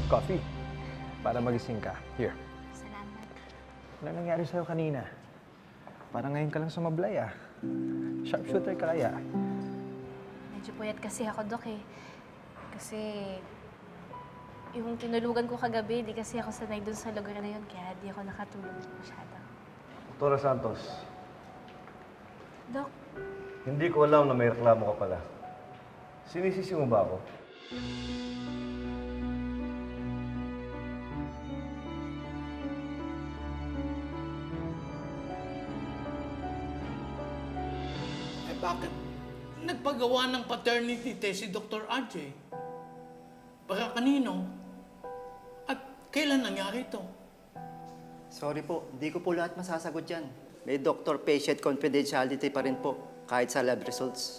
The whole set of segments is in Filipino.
Coffee. Para magising ka. Here. Salamat. Ano nangyari sa'yo kanina? Parang ngayon ka lang sumablay, ah. Sharpshooter ka kaya. Medyo puyat kasi ako, Dok, eh. Kasi yung tinulugan ko kagabi, di kasi ako sanay dun sa lugar na yun, kaya di ako nakatulog masyado. Doktora Santos, Dok, hindi ko alam na may reklamo ka pala. Sinisisi mo ba ako? Eh bakit nagpagawa ng paternity test si Dr. RJ? Para kanino? At kailan nangyari ito? Sorry po, hindi ko po lahat masasagot yan. May doctor-patient confidentiality pa rin po, kahit sa lab results.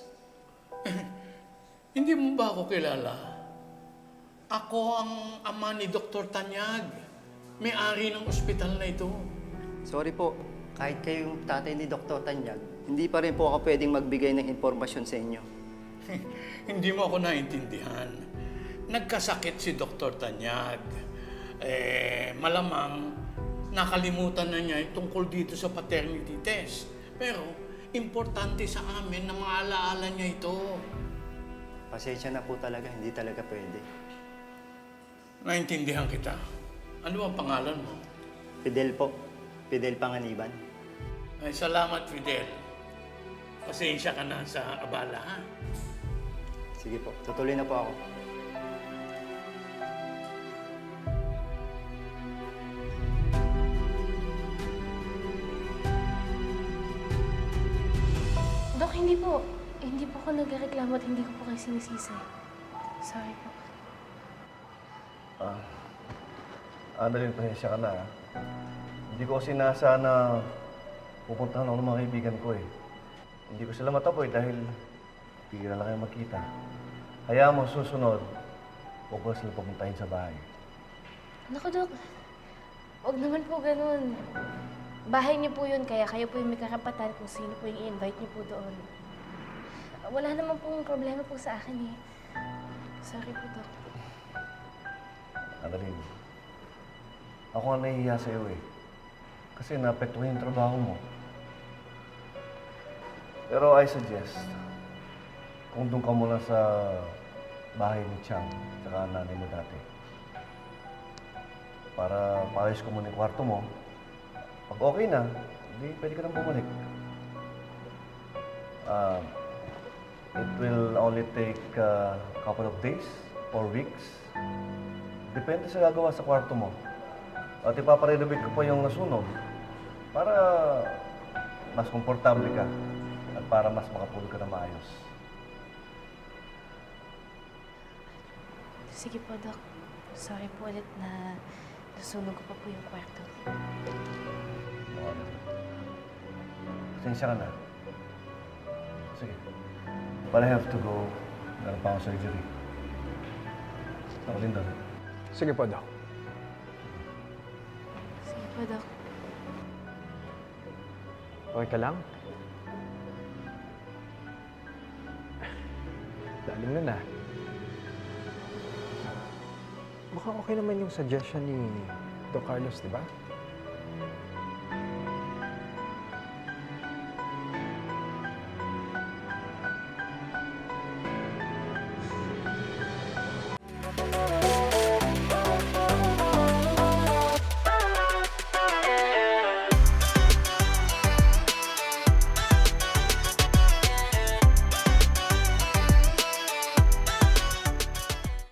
Hindi mo ba ako kilala? Ako ang ama ni Dr. Tanyag. May-ari ng ospital na ito. Sorry po, kahit kayo yung tatay ni Dr. Tanyag, hindi pa rin po ako pwedeng magbigay ng impormasyon sa inyo. Hindi mo ako naintindihan. Nagkasakit si Dr. Tanyag. Malamang nakalimutan na niya yung tungkol dito sa paternity test. Pero importante sa amin na maalaala niya ito. Pasensya na po talaga, hindi talaga pwede. Naintindihan kita. Ano ang pangalan mo? Fidel po, Fidel Panganiban. Ay, salamat, Fidel. Pasensya ka na sa abala, ha? Sige po, tutuloy na po ako. Dok, hindi po. Hindi po ako nagreklamo at hindi ko po kayo sinisisi. Sorry po. Annalyn, pasensya ka na. Hindi ko kasi nasa na pupuntahan ako ng mga kaibigan ko eh. Hindi ko sila matapoy dahil bigla lang kayo magkita. Hayaan mo susunod, huwag ko sila pupuntahin sa bahay. Naku, Dok. Huwag naman po ganun. Bahay niyo po yun, kaya kayo po yung may karapatan kung sino po yung i-invite niyo po doon. Wala naman pong problema po sa akin eh. Sorry po, Dok. Annalyn, ako ang nahihiya sa'yo eh. Kasi naapektuhan yung trabaho mo. Pero I suggest, kung doon ka muna sa bahay ni Chang, tsaka nanay mo dati. Para maayos ko muna yung kwarto mo. Pag okay na, hindi pwede ka nang bumalik. It will only take a couple of days or weeks. Depende sa gagawa sa kwarto mo. At ipaparenovate ko pa yung nasunog para mas komportable ka at para mas makapulog ka na maayos. Sige po, Dok. Sorry po ulit na nasunog ko pa po yung kwarto. Pasensya ka na. Sige. But I have to go. Meron pa akong surgery. Ako din doon. Sige po, Doc. Sige po, Dok. Okay ka lang? Lalim na na. Mukhang okay naman yung suggestion ni Doc Carlos, di ba?